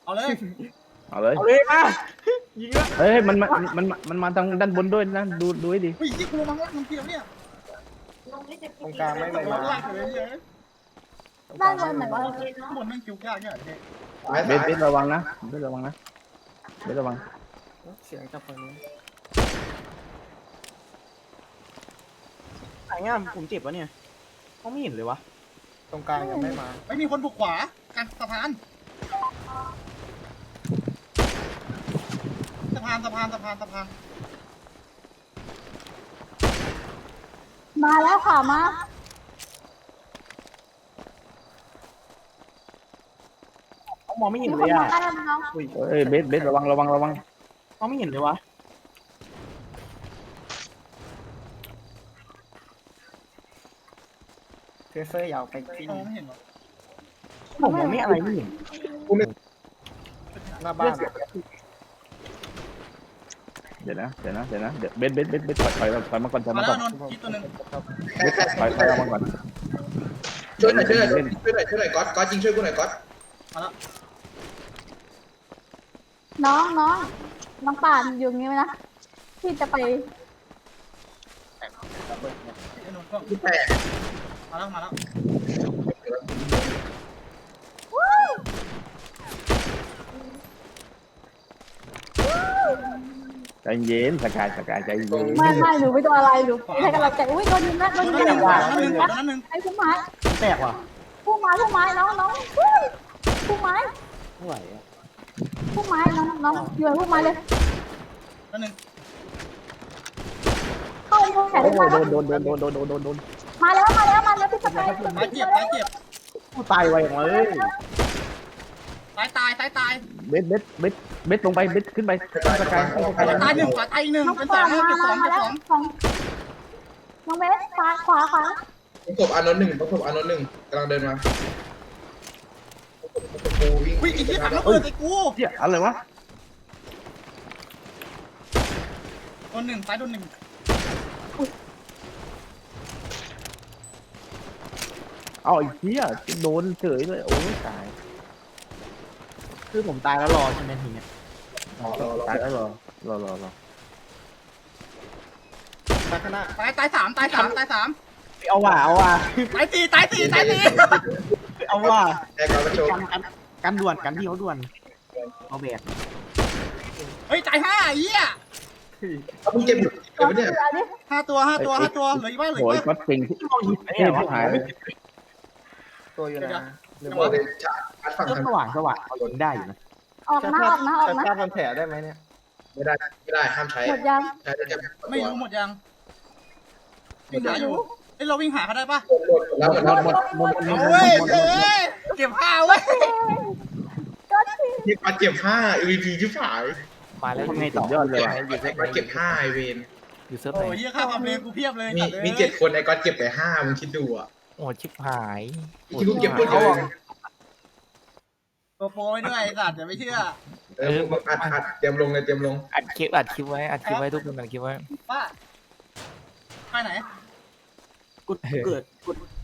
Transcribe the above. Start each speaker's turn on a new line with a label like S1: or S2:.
S1: เอาเลย
S2: เอาเลย
S3: เอาเลยมายิงแล้ว
S2: เฮ้ยมันมาทางด้านบนด้วยนะดูให้ดี
S1: เฮ้ยที่กูมังละมันเกี่ยวเนี่ย
S3: ตรงกลางไม่
S1: ต
S3: เลย
S1: ก
S3: มา
S1: ลากเลยเนี่ย
S4: ด้านบนไหนวะ
S1: ข้างบนแม่งคิวยากเนี่ยเด็ก
S2: เบสระวังนะเบสระวังนะเบสระวัง
S3: เสียงจากฝั่งนู้นไหนง่ามผมเจ็บวะเนี่ยเขาไม่เห็นเลยวะตรงกลางยังไม่มา
S1: ไม่มีคนบุกขวากลางสะพานสะพาน
S4: มาแล้วค่ะมา
S3: เขามองไม่เห็น
S4: มี
S3: เล
S4: คน
S3: ย
S4: มา
S3: อ่ะ
S4: ใกล้แล้วน้อง
S3: อุ้ย
S2: เฮ้ยเบสระวัง
S3: เขาไม่เห็นเลยวะเฟอร์ยาวไปที่
S1: มองไม่เห็นหรอ
S3: ผมมองไม่อะไรไม่เห็นหน้าบ้าน
S2: เดี๋ยวนะเดี๋ยวเบสถอยมาก่อนถอย
S1: มา
S2: มา
S1: แล้
S2: ก่
S1: ว
S2: อน
S1: นนท์คิดตัวหนึ่ง
S2: ถอยออกมาก่อน
S5: ช่วยหน่อยก๊อตจริงช่วยกูหน่อยก๊อต
S1: มาแล้ว
S4: น้องป่านอยู่งี้ไหมนะที่จะไป
S1: ไอ้นนท์ก็
S5: กูแตก
S1: มาแล้ว
S2: ใจเย็นสกายใจเย็น
S4: ไม่หนูไม่โดนอะไรหนูให้กำลังใจอุ้ยโดนยิงแล้วโดนยิง
S1: ตัว
S4: แล้ว
S1: นั้นหนึ่ง
S4: ไอ้ผู้ไม้
S3: แตกว่ะ
S4: ผู้ไม้น้องผู้ไม้
S3: ไม่ไหวอ่ะ
S4: ผู้ไม้น้องอยู่ผู้ไม้เลย
S1: ตัวหนึ่ง
S4: เข้าแขน
S2: โอ้
S4: มาแล้ว
S2: โดน
S4: มาแล้วพี่สกาย
S1: ตายเจ็บ
S3: กูตายไวอย่างเลย
S1: ตาย
S2: เบสลงไปเบสขึ้นไปสกาย
S1: ตายหนึ่งตายอีกหนึ่ง
S4: น้อง
S1: เป็นสอ
S4: ป่าง น
S1: เก็บสอง
S4: มาแล้วของน้องเบสขวา
S5: ประกบอานนท์หนึ่งกำลังเดินมากูวิ่ง
S1: วิ่งอีกที่ถังระเบิดไอ้กู
S2: เจี๊ยอะไรวะ
S1: โดนหนึ่งตายโดนหนึ่ง
S2: เอาไอ้เจี๊ยโดนเฉยเลยโอ้ยตาย
S3: คือผมตายแล้วรอใช่ไหมทีเนี้ย
S2: ตายแล้วรอ
S3: ตายข้างหน้า
S1: ตายสาม
S3: เอาว่ะ
S1: ตายสี่
S3: เอาว่ะ
S5: แตกแล้วก็โชว์
S3: กันด่วนกันที่เขาด่วนเอาแบก
S1: เฮ้ยตายห้าเหี้ย
S5: เอามึงเจ็บอยู่เจ็บปะเนี่ย
S1: ห้าตัวเหลืออีกบ้าง
S2: โอ้ยก็เก่งที่
S3: มองหิน
S2: ที่
S3: เนี่ย
S2: หาย
S3: ตัวอยู่นะ
S5: หรือว่าเป็นชาร์จฝั่ง
S3: ก็
S5: ทาง
S3: สว่างเขายิงได้อยู่นะ
S4: ออกนะ
S3: ถ้าพันแผลได้ไหมเนี่ย
S5: ไม่ได้ห้ามใช้
S4: หมดยัง
S5: ใช้ได้แค่
S1: ไม่รู้หมดยังวิ่งหาอยู่เอ้ยเราวิ่งหาเขาได้ปะ
S5: แล้ว
S2: หมด
S1: เอาเว้ยเก็บผ้าเว้ย
S5: ที่มาเก็บ5 MVP ที่ฝ่าย
S3: มาแล้วทำไง
S2: สุ
S3: ต่อ
S2: ดยอดเลยว่ะ
S5: มาเก็บ5ไอเวน
S3: อยู่เซิร์ฟ
S1: โอ้
S3: ไหน
S1: ยเหี้ยค่าความเร็วกูเพียบเลย
S5: มี7คนไอ้ก๊อตเก็บไป5มึงคิดดูอ่ะ
S3: โอ้ชิบหาย
S5: ที่กูเก็บพูดเยอะ
S1: ตัวโปรยด้วยไอ้สัตว์อย่าไม่เชื่อ
S5: มึงอัดเตรียมลงเลยเตรียมลง
S3: อัดคลิปไว้ทุกคนอัดคลิปไว้
S1: ป้าไปไหน
S3: กูเกิด